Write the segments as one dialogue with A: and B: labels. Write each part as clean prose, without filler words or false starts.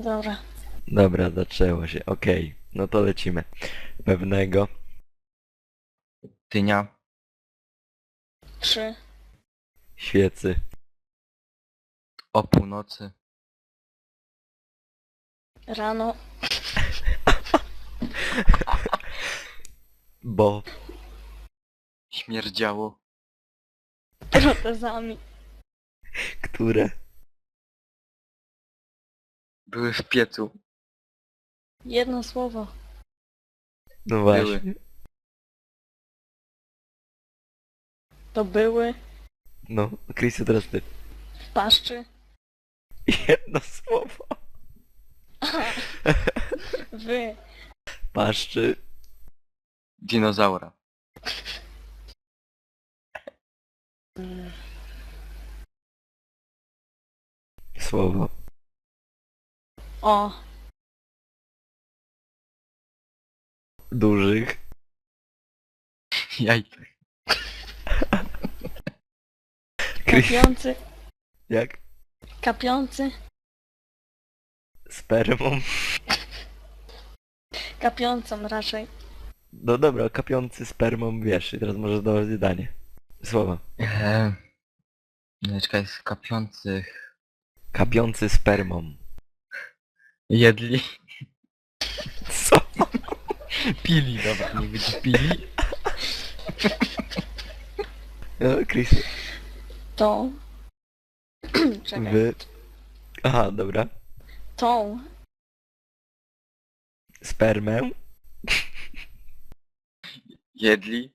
A: Dobra.
B: Dobra, zaczęło się. Okej, no to lecimy. Pewnego,
C: Dynia,
A: 3.
B: świecy,
C: o północy,
A: Rano.
B: bo,
C: śmierdziało,
A: Protezami.
B: które,
C: były w piecu,
A: Jedno słowo.
B: no właśnie.
A: To były
B: No, Chrisu, teraz ty.
A: w paszczy.
B: Jedno słowo.
A: Wy.
B: Paszczy,
C: dinozaura,
B: słowo,
A: O.
B: dużych,
C: jajka,
B: Chris,
A: Kapiący.
B: jak?
A: Kapiący.
B: Spermą.
A: Kapiącą raczej.
B: No dobra, kapiący spermą, wiesz, i teraz możesz dawać zdanie. Słowa.
C: Czekaj, z kapiących,
B: Kapiący spermą.
C: jedli,
B: Co?
C: pili, dobra, nie będzie pili,
B: No, Chrisu,
A: Tą. Czekaj.
B: wy... Aha, dobra.
A: Tą.
B: Spermę,
C: jedli,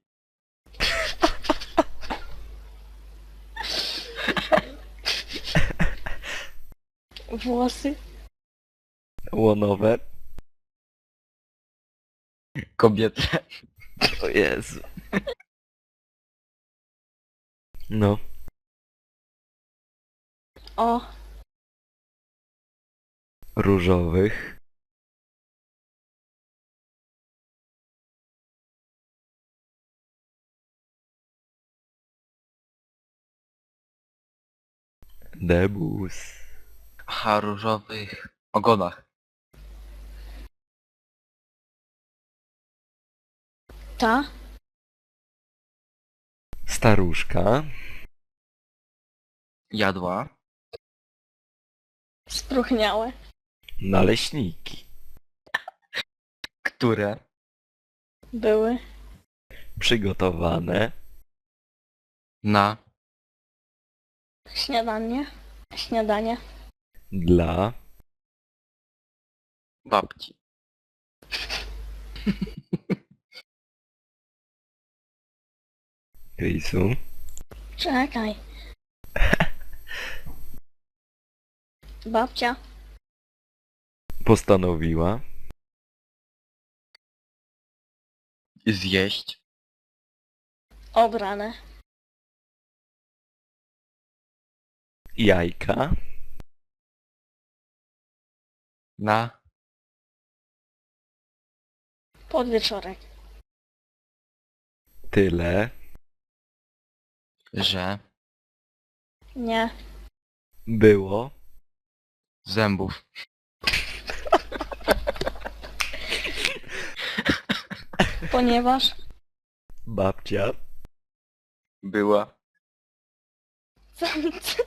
A: Włosy.
B: łonowe.
C: kobietę,
B: O Jezu. No,
A: O.
B: różowych. Debus.
C: aha, różowych ogonach,
A: Ta.
B: Staruszka.
C: jadła,
A: Spróchniałe.
B: Naleśniki.
C: które,
A: Były.
B: Przygotowane.
C: na,
A: Śniadanie. Śniadanie.
B: Dla.
C: babci,
B: Chrisu.
A: Czekaj. Babcia.
B: Postanowiła.
C: zjeść,
A: Obrane.
B: Jajka.
C: na,
A: Podwieczorek.
B: Tyle.
C: że,
A: Nie.
B: Było.
C: zębów,
A: Ponieważ.
B: Babcia.
C: była,
A: Samce.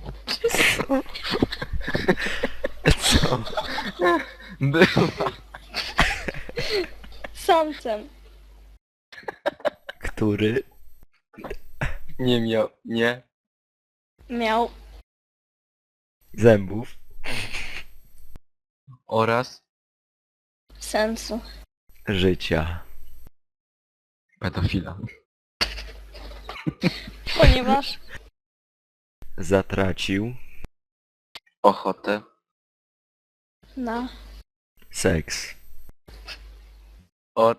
B: Co?
C: była,
A: Samcem.
B: Który.
C: nie miał, nie,
A: Miał.
B: Zębów.
C: oraz
A: Sensu.
B: Życia.
C: pedofila,
A: Ponieważ.
B: Zatracił.
C: ochotę,
A: Na.
B: Seks.
C: od,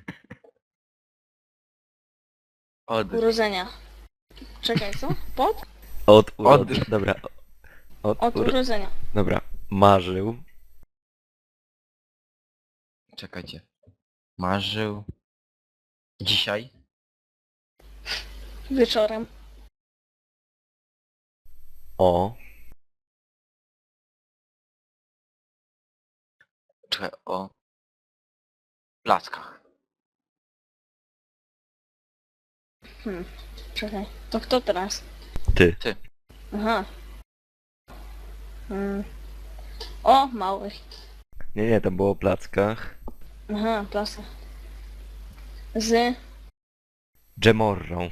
C: od,
A: Urodzenia. Czekaj, co? Pod?
B: Od
C: Od.
B: urodzenia. Dobra.
A: Od urodzenia.
B: Dobra. Marzył.
C: czekajcie, marzył, dzisiaj,
A: Wieczorem.
B: O.
C: Czekaj, o plackach.
A: Czekaj. To kto teraz?
B: Ty.
A: Aha. Hmm. O, małych.
B: Nie, tam było o plackach.
A: Aha, plasa. Z
B: Dżemorrą.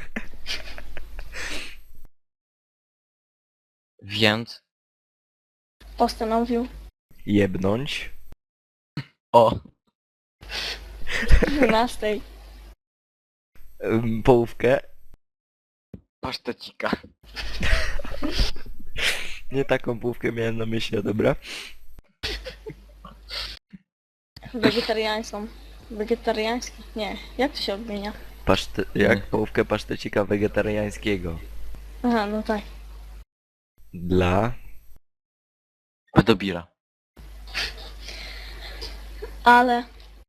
C: Więc
A: postanowił
B: Jebnąć.
C: o
A: 12.
B: Połówkę.
C: pasztecika.
B: Nie taką połówkę miałem na myśli, dobra?
A: Wegetariańską. Wegetariański? Nie. Jak to się odmienia?
B: Jak połówkę pasztecika wegetariańskiego.
A: Aha, no tak.
B: Dla...
C: Pedobira.
A: Ale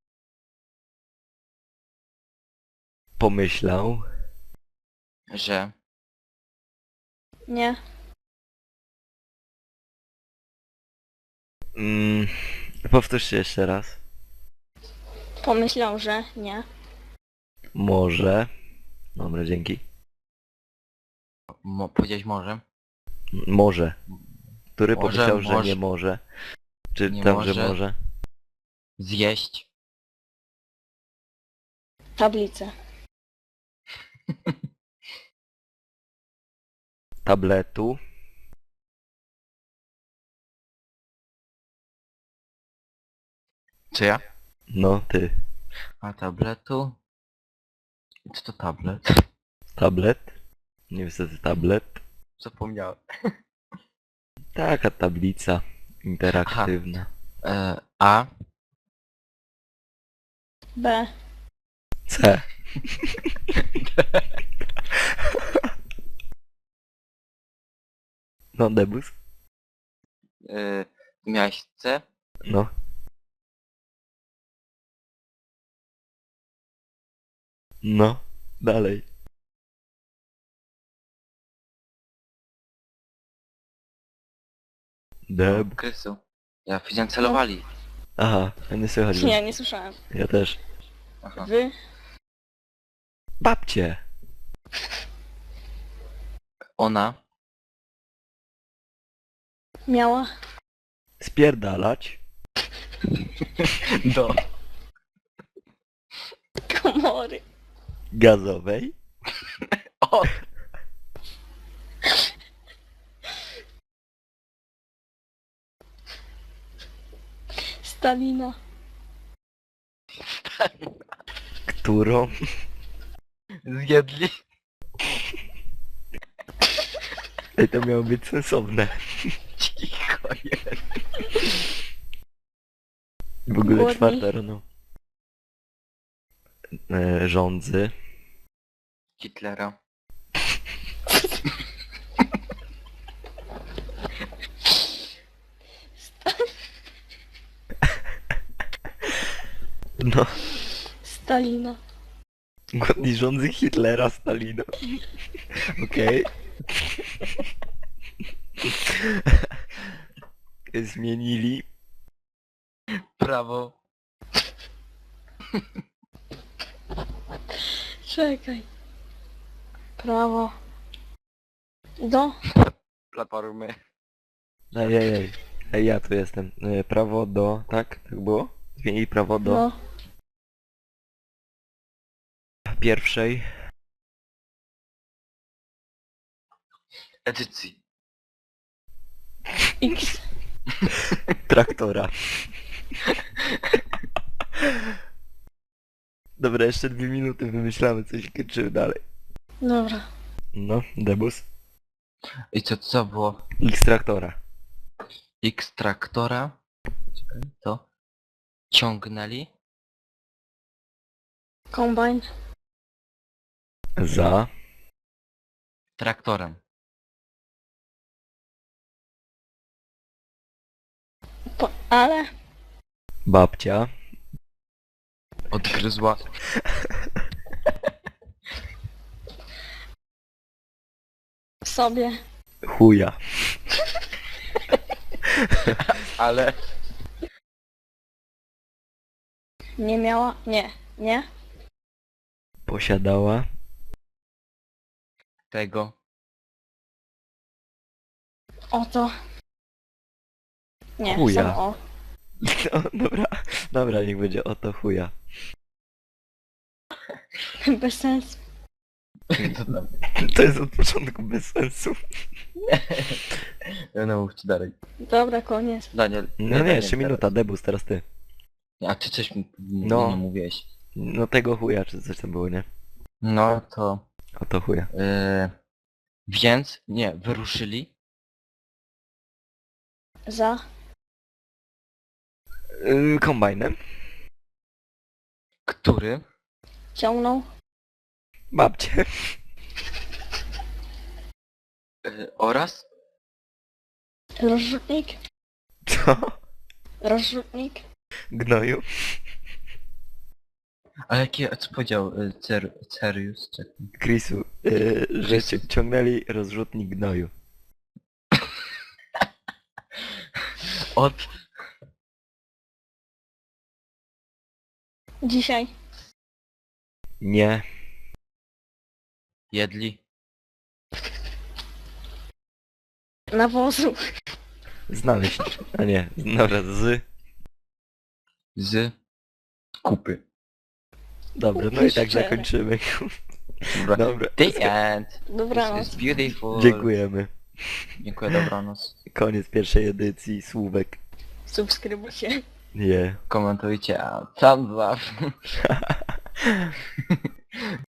B: Pomyślał.
C: Że
A: nie.
B: Powtórzcie jeszcze raz.
A: Pomyślał, że nie.
B: Może. Dobra, dzięki.
C: powiedziałeś może?
B: Może. Który
C: Może,
B: pomyślał, że
C: może.
B: nie może? Czy
C: Nie
B: tam, że
C: może.
B: może?
C: Zjeść
A: Tablicę.
B: Tabletu.
C: czy ja?
B: No, ty.
C: A tabletu? Co to tablet?
B: Tablet. Niestety tablet.
C: Zapomniałem.
B: Taka tablica interaktywna.
C: A
A: B.
B: C. No, debus.
C: miałeś C?
B: No. No. Dalej. Deb.
C: Krysu. Ja widziałem celowali.
B: Aha, nie słychać.
A: Nie, nie słyszałem.
B: Ja też.
C: Aha.
A: Wy.
B: Babcie.
C: Ona
A: Miała.
B: Spierdalać.
C: do
A: Komory.
B: Gazowej.
C: o
A: Stalina.
B: Którą
C: zjedli.
B: Ej, to miało być sensowne.
C: Cicho jest.
B: W ogóle
A: Głodni.
B: 4 rano. Rządzy.
C: Hitlera.
B: No.
A: Stalina.
B: Głodni rządzy Hitlera, Stalina. Okej. Zmienili.
C: Prawo.
A: Czekaj. Prawo. Do.
C: Platformy.
B: Ej. Ej, ja tu jestem. Prawo do... Tak? Tak było? Zmienili prawo do
A: No.
B: pierwszej.
C: Edycji.
A: X.
B: Traktora. Dobra, jeszcze 2 minuty wymyślamy coś, kończymy dalej.
A: Dobra.
B: No, debus.
C: I co było?
B: X traktora.
C: X traktora. Czekaj, to. Ciągnęli.
A: Kombajn.
B: Za.
C: Traktorem.
A: Ale.
B: Babcia.
C: Odgryzła.
A: Sobie.
B: Chuja.
C: Ale
A: Nie miała... Nie. Nie?
B: Posiadała.
C: Tego.
A: Oto. Nie,
B: Chuja.
A: samo o.
B: No, dobra, dobra, niech będzie o to chuja.
A: Bez sensu.
C: To tam.
B: To jest od początku bez sensu.
C: No mówcie dalej.
A: Dobra, koniec.
C: Daniel.
B: No nie,
C: Daniel,
B: jeszcze minuta, debus, teraz ty.
C: A ty coś mi
B: No.
C: nie mówiłeś.
B: No tego chuja, czy coś tam było, nie?
C: No to...
B: O to chuja.
C: Więc, nie, wyruszyli.
A: Za.
B: Kombajnem.
C: Który
A: Ciągnął.
B: Babcie.
C: oraz
A: Rozrzutnik.
B: Co?
A: Rozrzutnik.
B: Gnoju.
C: a jakie, co powiedział Cerius? Czekaj.
B: Chrisu, że ciągnęli rozrzutnik gnoju.
C: Od
A: Dzisiaj.
B: Nie.
C: jedli
A: Nawozu.
B: Znaleźć. A nie, dobra,
C: z kupy.
B: Dobra, no i tak
A: Szczere.
B: zakończymy.
C: Dobra.
B: Dobra.
C: The end.
A: Dobranoc.
C: It's beautiful.
B: Dziękujemy.
C: Dziękuję, dobranoc.
B: Koniec pierwszej edycji, słówek.
A: Subskrybujcie.
B: Nie.
C: Komentujcie, a thumbs up.